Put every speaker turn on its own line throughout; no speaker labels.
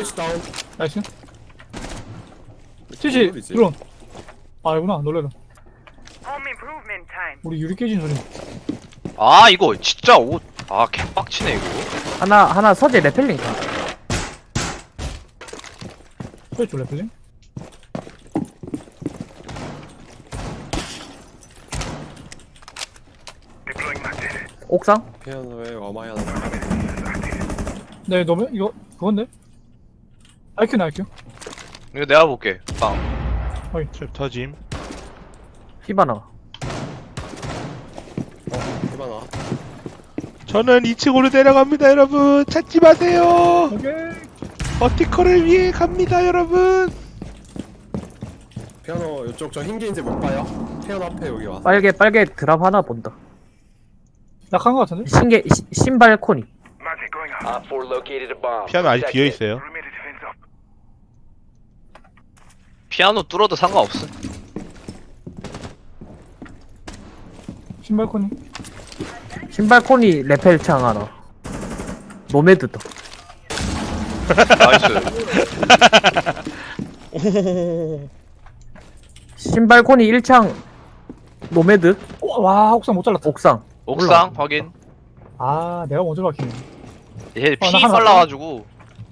BH 다운.
나이스. 치치 드론. 아니구나 놀래라. 우리 유리 깨진 소리.
아 이거 진짜 옷. 아 개빡치네 이거.
하나 서재 레펠링.
소리 줄래 그지?
옥상?
피아노에 와마야.
네 너무 이거 그건데? IQ네 IQ.
이거 내가 볼게. 빵.
탭 터짐.
히바나.
해봐나.
저는 2층으로 내려갑니다, 여러분. 찾지 마세요.
오케이.
버티컬을 위해 갑니다, 여러분.
피아노 이쪽 저 흰게인지 못 봐요. 피아노 앞에 여기 와.
빨개 드랍 하나 본다.
약한 거 같은데?
신발 코니.
피아노 아직 비어 있어요.
피아노 뚫어도 상관없어.
신발 코니.
신발 코니 레펠 창 하나. 노매드다.
나이스.
신발 코니 1창 노매드
와 옥상 못 잘랐다.
옥상.
옥상 확인.
아 내가 먼저 박히네.
얘 피
나 하나
빨라가지고.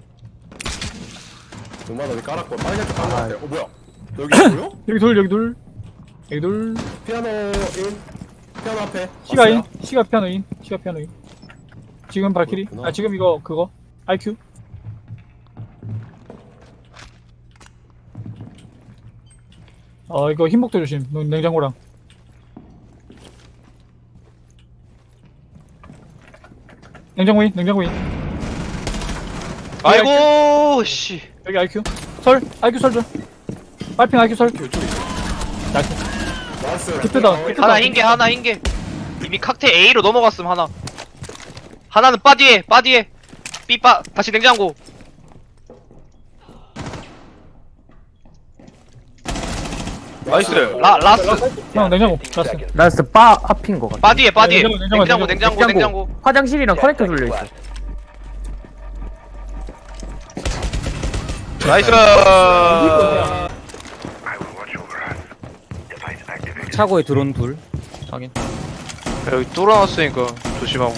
정말 어디 깔았고 빨갛게 깔것 같아. 뭐야? 여기 보여?
여기 둘 여기 둘 여기 둘.
피아노 인. 피아노 앞에.
시가 인.
왔어요?
시가 피아노 인. 시가 피아노 인. 지금 발키리.
그렇구나.
아 지금 이거 그거 IQ. 이거 흰복도 조심. 냉장고랑. 냉장고인, 냉장고인.
아이고 씨.
여기 IQ. 설, IQ 설 좀. 빨핑 IQ 설.
이쪽에.
나이스.
나이스.
그때다.
하나 흰게 하나 흰게. 이미 칵테일 A로 넘어갔음 하나. 하나는 바디에 B빠 다시 냉장고. 나이스. 라스.
형 냉장고. 라스.
라스트 바 앞인 것 같아.
바디에
냉장고.
냉장고.
화장실이랑 커넥터 돌려 있어.
나이스.
차고에 드론 둘.
확인. 여기 뚫어놨으니까 조심하고.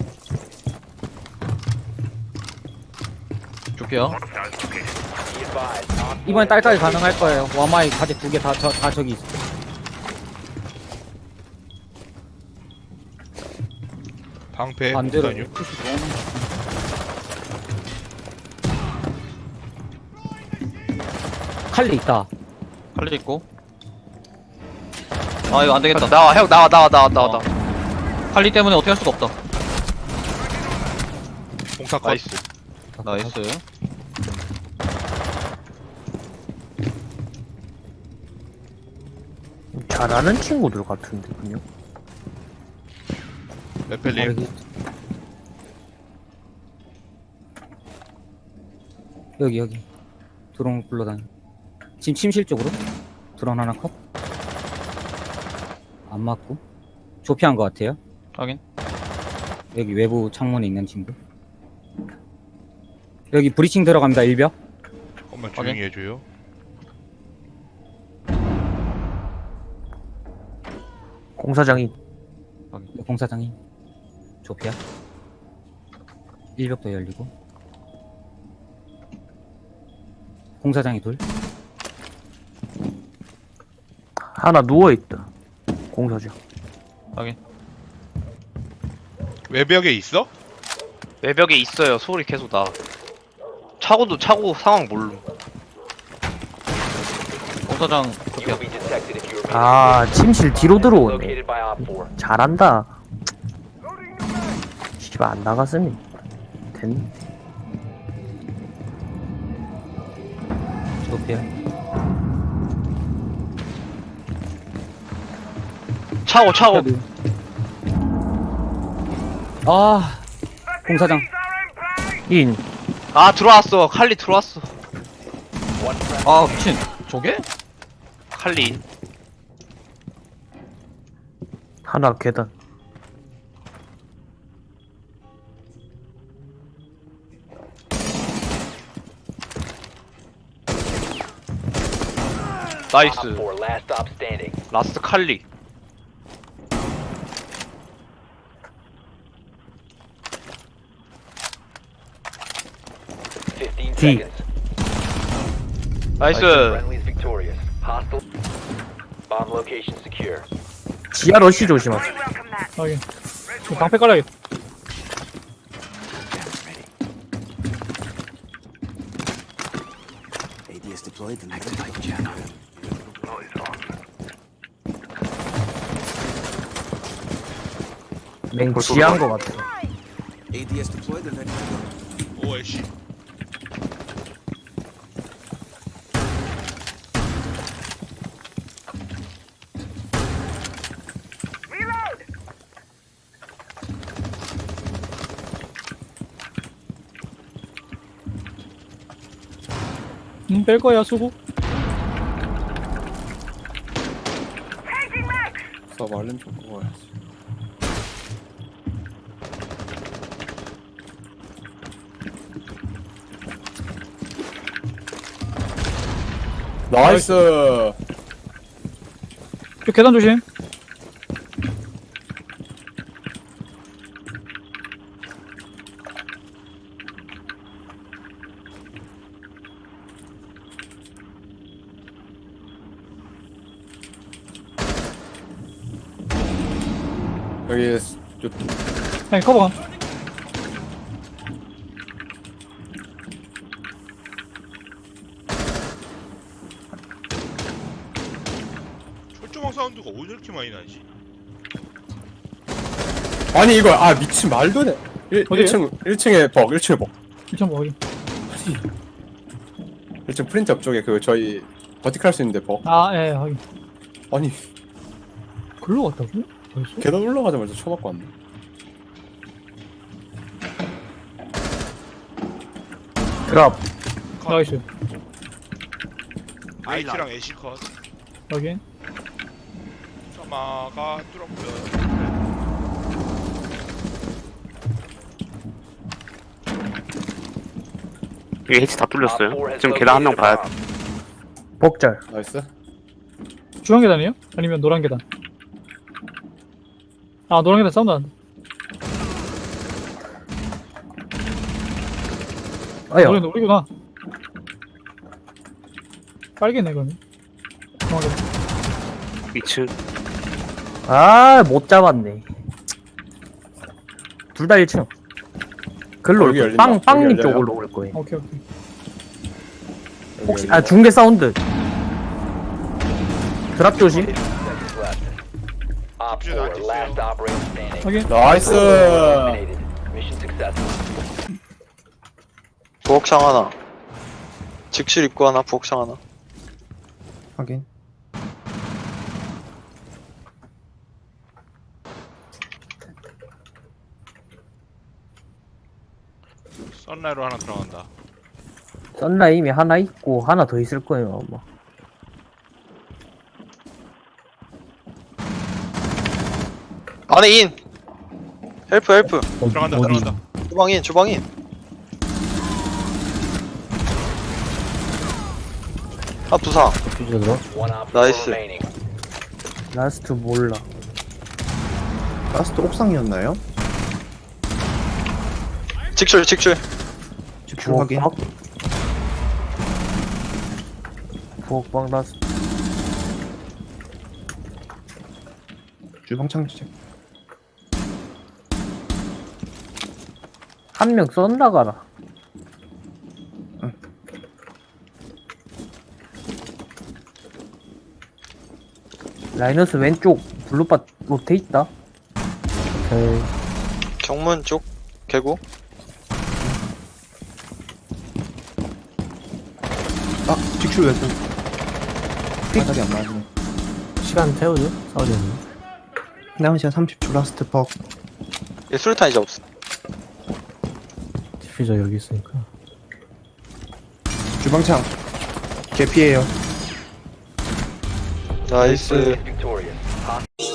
줄게요. 이번엔 딸깍이 가능할 거예요. 와마이 가제 두 개 다 저기 있어.
방패
반대로
다녀.
푸시 들어오는 거. 칼리 있다.
칼리 있고. 아 이거 안 되겠다.
나와 형 나와.
칼리 때문에 어떻게 할 수가 없다.
공사 컷.
나이스.
나이스.
잘하는 친구들 같은데 그냥.
레펠링.
여기 드론 굴러다니. 지금 침실 쪽으로 드론 하나 컷. 안 맞고 조피한 것 같아요.
확인.
여기 외부 창문에 있는 친구. 여기 브리칭 들어갑니다. 일벽.
조금만 조용히 해줘요.
공사장이
공사장이 조피아. 일벽도 열리고. 공사장이 둘.
하나 누워있다. 공사장.
확인.
외벽에 있어?
외벽에 있어요. 소리 계속 나. 차고 상황 모름.
공사장 좋게요.
아 침실 뒤로 들어오네. 잘한다. 씨발 안 나갔으니 됐네.
조피아.
차고.
아 공사장.
인.
아 들어왔어. 칼리 들어왔어.
아 미친. 저게?
칼리.
하나 계단.
나이스.
Op 4, last stop standing.
라스트 칼리.
Fifteen
D.
seconds.
나이스.
Friendly's victorious. Hostile. Bomb location secure.
지하 러시 조심하세요.
확인. 이거 방패 깔아야겠다.
맹 지하인 거 같아.
오 애쉬.
뺄 거야 수고.
서 말름 좀 먹어야지. 나이스.
저 계단 조심.
여기
아니 커버.
철조망 사운드가 어디 이렇게 많이 나지?
아니 이거 미친 말도 안 돼.
어디에요?
1층에 벅 1층에 벅
1점 뭐 확인.
1층 프린트 옆쪽에 그 저희 버티컬 할 수 있는데 벅.
예 확인.
아니
글로 갔다고? 벌써?
계단 올라가자마자 쳐맞고 왔네.
드랍.
나이스.
아이티랑 애쉬 컷.
확인.
사마가 뚫었고요.
여기 해치 다
Op 4
뚫렸어요.
has
지금 계단 한 명
located a
봐야
bomb.
복절.
나이스.
중앙 계단이에요? 아니면 노란 계단? 노란 계단 사운드 난다.
아야.
노란 우리구나. 빨개네 그러면. 중앙 계단.
2층.
못 잡았네. 둘 다 1층. 글로
여기
올
열린다.
거야. 빵님
여기 열려요.
쪽으로 올 거예요.
오케이.
혹시 중계 사운드. 드랍 조심.
Seconds left. Op 4, last operator standing.
확인.
나이스.
Eliminated. Mission successful.
부엌창 하나. 직실 입구 하나, 부엌창 하나.
확인.
썬라이로 하나 들어간다.
썬라임이 하나 있고 하나 더 있을 거예요 아마.
안에 인! 헬프.
들어간다. 들어간다.
주방인. 부상.
One op 4
Nice.
remaining.
라스트 몰라.
라스트 옥상이었나요?
직출.
직출 확인.
부엌방 라스트.
주방 창책.
한 명 썬나가라. 라이너스 왼쪽 블루바 로테 있다.
경문 쪽, 개구.
직출 왼쪽. 바닥이 안 맞네.
시간 태우죠? 싸우려면.
남은 시간 30초 라스트 벅.
얘 수류탄 이제 없어.
디퓨저 여기 있으니까.
주방창. 개피해요.
나이스.
Victorious. Hostile